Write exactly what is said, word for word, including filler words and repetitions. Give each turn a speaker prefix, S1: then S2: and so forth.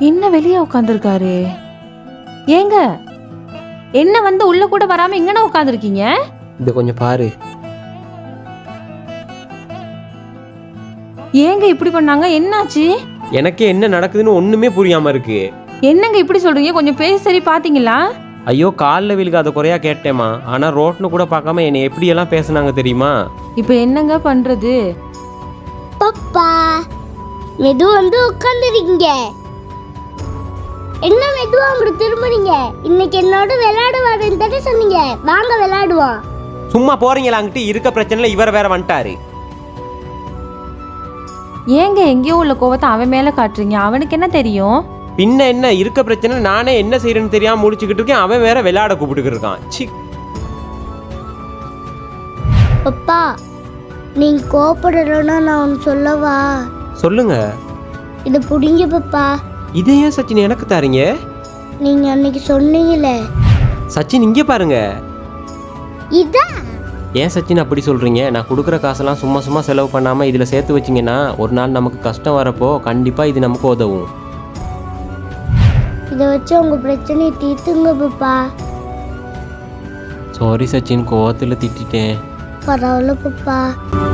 S1: என்ன வெளியே உட்காந்துருக்காரு? ஏங்க, என்ன வந்து உள்ள கூட வராம எங்கன உட்காந்துருக்கீங்க?
S2: இத கொஞ்சம் பாரு.
S1: ஏங்க இப்படி பண்ணாங்க? என்னாச்சு?
S2: எனக்கே என்ன நடக்குதுன்னு ஒண்ணுமே புரியாம இருக்கு.
S1: என்னங்க இப்படி சொல்றீங்க? கொஞ்சம் பேசி சரி பாத்தீங்களா?
S2: ஐயோ, காலில் விழுகாத குறையா கேட்டேமா. ஆனா ரோட்னு கூட பார்க்காம என்னை எப்படி எல்லாம் பேசுனாங்க தெரியுமா?
S1: இப்ப என்னங்க பண்றது?
S3: பப்பா மெது வந்து உட்காந்துருக்கீங்க. என்ன மெதுவா அப்படி திரும்புறீங்க? இன்னைக்கு என்னோட விளையாட வரேன்னு தானே சொன்னீங்க. வாங்க விளையாடுவோம்.
S2: சும்மா போறீங்களா? அங்கிட்டு இருக்க பிரச்சனைல இவர் வேற வந்துட்டாரு.
S1: ஏங்க எங்கேயோ உள்ள கோவத்தை அவன் மேல காட்டுறீங்க? அவனுக்கு என்ன தெரியும்?
S2: பின்ன என்ன, இருக்க பிரச்சனை நானே என்ன செய்யறேன்னு தெரியாம முடிச்சுக்கிட்டு இருக்கேன். அவன் வேற விளையாட கூப்பிட்டு இருக்கான். சி.
S3: பப்பா, நீங்க கோபப்படலன்னா நான் ஒன்று சொல்லவா?
S2: சொல்லுங்க.
S3: இது புடிங்க பப்பா.
S2: இதே ஏன் சச்சின் எனக்கு தாரீங்க?
S3: நீங்க அன்னைக்கு சொன்னீங்களே.
S2: சச்சின் இங்க பாருங்க.
S3: இதா?
S2: ஏன் சச்சின் அப்படி சொல்றீங்க? நான் கொடுக்குற காசெல்லாம் சும்மா சும்மா செலவு பண்ணாம இதுல சேர்த்து வச்சிங்கன்னா ஒரு நாள் நமக்கு கஷ்டம் வரப்போ கண்டிப்பா இது நமக்கு உதவும்.
S3: இதை வச்சு உங்க பிரச்சனையை தீர்த்துங்க பப்பா.
S2: சாரி சச்சின், கோவத்துல திட்டிட்டேன்.
S3: பரவாயில்ல பப்பா.